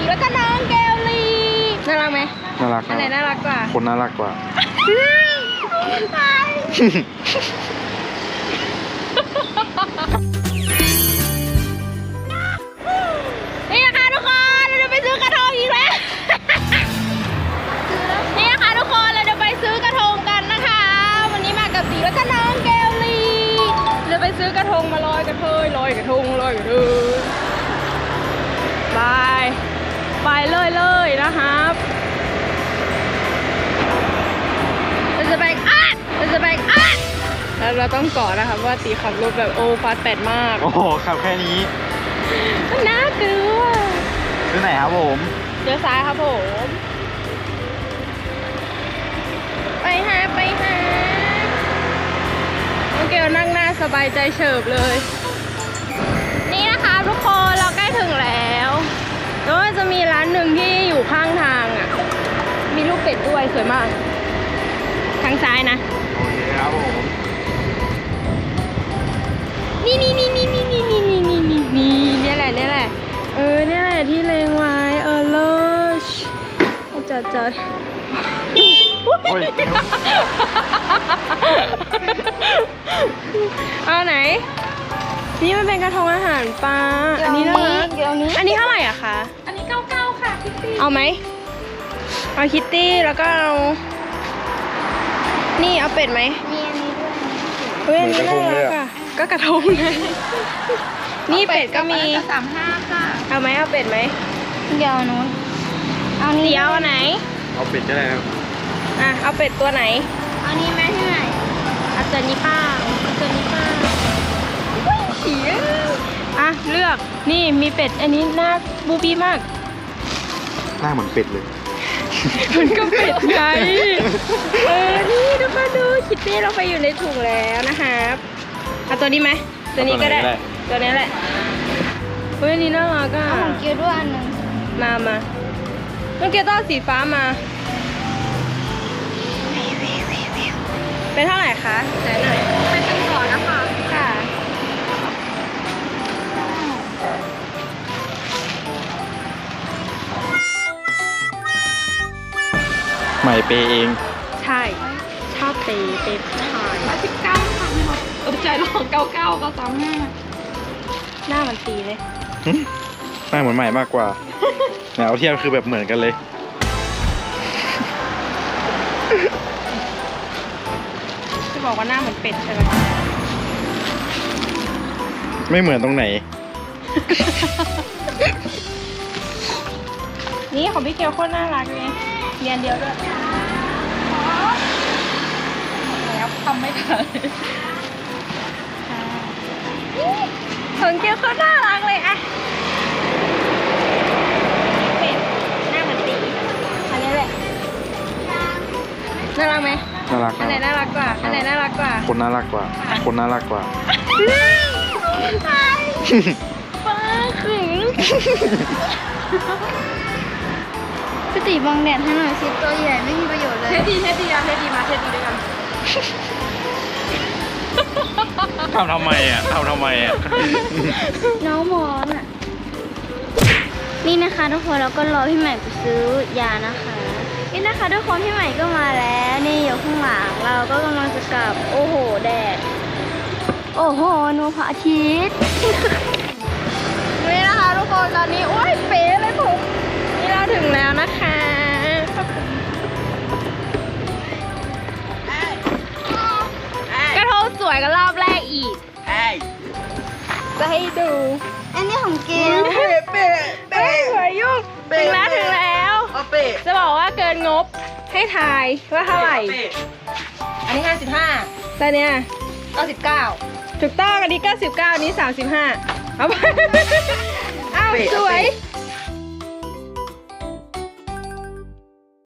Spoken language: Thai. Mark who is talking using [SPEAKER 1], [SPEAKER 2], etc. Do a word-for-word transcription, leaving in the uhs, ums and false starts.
[SPEAKER 1] แล้วก็น้องแกวลีน่ารักไหม
[SPEAKER 2] น่ารัก
[SPEAKER 1] อะไรน่ารักกว่า
[SPEAKER 2] คนน่ารักกว่า
[SPEAKER 1] นี่นะคะทุกคนเราจะไปซื้อกระทงอีกแล้วนี่นะคะทุกคนเราจะไปซื้อกระทงกันนะคะวันนี้มากับตีแล้วก็น้องแกวลีเราไปซื้อกระทงมาลอยกระเทยลอยกระทงลอยกระเทยไปไปเลยเลยนะครับเราจะไปอ่ะเราจะไปอ่ะแล้วเราต้องเกาะนะครับว่าตีขับรถแบบโอ้ฟาสแปดมาก
[SPEAKER 2] โอ้โหขับแค่นี้
[SPEAKER 1] น่ากลัว
[SPEAKER 2] ที่ไหนครับผม
[SPEAKER 1] เลี้ยวซ้ายครับผมไปหาไปหาน้องเกลนั่งหน้าสบายใจเฉิบเลยนี่นะคะทุกคนเราใกล้ถึงแล้วแล้วจะมีร้านหนึ่งที่อยู่ข้างทางอ่ะมีลูกเป็ดด้วยสวยมากทางซ้ายนะ
[SPEAKER 2] โอเคครับผม
[SPEAKER 1] นี่นี่นี่นี่นี่นี่นี่นี่นี่นี่นี่นี่แหละนี่แหละเออนี่แหละที่เลงไว้เออเลิศจัดจัดเอาไหนนี่มันเป็นกระทงอาหารปลาอันนี้นะอันนี้เท่าไหร่อะคะ
[SPEAKER 3] อันนี้เก้าเก้าค่ะคิตตี้
[SPEAKER 1] เอาไหมเอาคิตตี้แล้วก็เอานี่เอาเป็ดไหม
[SPEAKER 3] มีอันนี้ด้วย
[SPEAKER 1] เฮ้ยอันนี้น่ารักอะก็กระทงไงนี่เป็ดก็มี
[SPEAKER 3] สามห้าค่ะ
[SPEAKER 1] เอาไหมเอาเป็ดไหม
[SPEAKER 3] เดี๋ยวนู้นเอานี้
[SPEAKER 1] เดี๋ยวเอาไหน
[SPEAKER 2] เอาเป็ดก็ได้ครับ
[SPEAKER 1] อ่ะเอาเป็ดตัวไหน
[SPEAKER 3] เอานี้ไหมที่ไหน
[SPEAKER 1] เอาตัวนี้ป้าเอาตัวนี้ป้าอ่ะเลือกนี่มีเป็ดอันนี้หน้าบูบี้มาก
[SPEAKER 2] หน้าเหมือนเป็ดเลย
[SPEAKER 1] มันก็เป็ดไงเออนี่ทุกคนดูคิตตี้เราไปอยู่ในถุงแล้วนะครับเอาตัวนี้ไหมตัวนี้ก็ได้ตัวนี้แหละเฮ้ยนี่น่ารักอ่ะ
[SPEAKER 3] เอาของเกียวด้วยอันหนึ่ง
[SPEAKER 1] มามาน้องเกียวต้องสีฟ้ามาเป็นเท่าไหร่คะไหนหน่อย
[SPEAKER 3] เป็นตังก่อนนะคะ
[SPEAKER 1] ค่ะ
[SPEAKER 2] ใหม่เปย์เอง
[SPEAKER 1] ใช่ชอบเปย์เปย์ชาย
[SPEAKER 3] มาสิบเก้าค่ะเออใจร้องเก้าเก้าก็สามห้า
[SPEAKER 1] หน้ามันตีเลย
[SPEAKER 2] หน้าเหมือนใหม่มากกว่าแนวเทียบคือแบบเหมือนกันเลย
[SPEAKER 1] จะบอกว่าหน้าเหมือนเป็ดใช่ไหม
[SPEAKER 2] ไม่เหมือนตรงไหน
[SPEAKER 1] นี่ของพี่เกลโคตรน่ารักเลยเรียนเดียวด้วย
[SPEAKER 3] แล้วทำไม่ทัน
[SPEAKER 1] ของเกลโคตรน่ารักเลยอะเป็ดหน้าเหมือนตีอันนี้แหละน่ารักไหม
[SPEAKER 2] น่ารัก
[SPEAKER 1] อันไหนน่ารักกว่าอันไหนน่ารักกว่า
[SPEAKER 2] คนน่ารักกว่าคนน่ารักกว่า
[SPEAKER 1] ป้าขึง
[SPEAKER 3] พี่ตีบังแดดให้หน่อยสิตัวใหญ่ไม่มีประโยชน์เลย
[SPEAKER 1] เทดีเทดีอะเทดีมาเทดีด้วยกัน
[SPEAKER 2] ทำทำไมอ่ะทำทำไมอ่ะ
[SPEAKER 3] น้องมอนอ่ะนี่นะคะทุกคนเราก็รอพี่ใหม่ไปซื้อยานะคะนี่นะคะทุกคนพี่ใหม่ก็มาแล้วนี่อยู่ข้างหลังเราก็กำลังจะกลับโอ้โหแดดโอ้โหนูพระอาทิตย์
[SPEAKER 1] นี่นะคะทุกคนตอนนี้โอ้ยเป๋เลยผมนี่เราถึงแล้วนะคะกระทงสวยกันรอบแรกอีกจะให้ดู
[SPEAKER 3] อันนี้ของเกล
[SPEAKER 1] เป๊ะเป๊ะเป๊ะสวยยุ่งถึงแล้วถึงแล้วจะบอกว่าเกินงบให้ทายว่าเท่าไหร่
[SPEAKER 3] อันนี้ห้าสิบห้า
[SPEAKER 1] แต่เนี้ย
[SPEAKER 3] เก้าสิบเก้า
[SPEAKER 1] ถูกต้องอันนี้เก้าสิบเก้าอันนี้สามสิบห้าเอาไปอ้าวสวย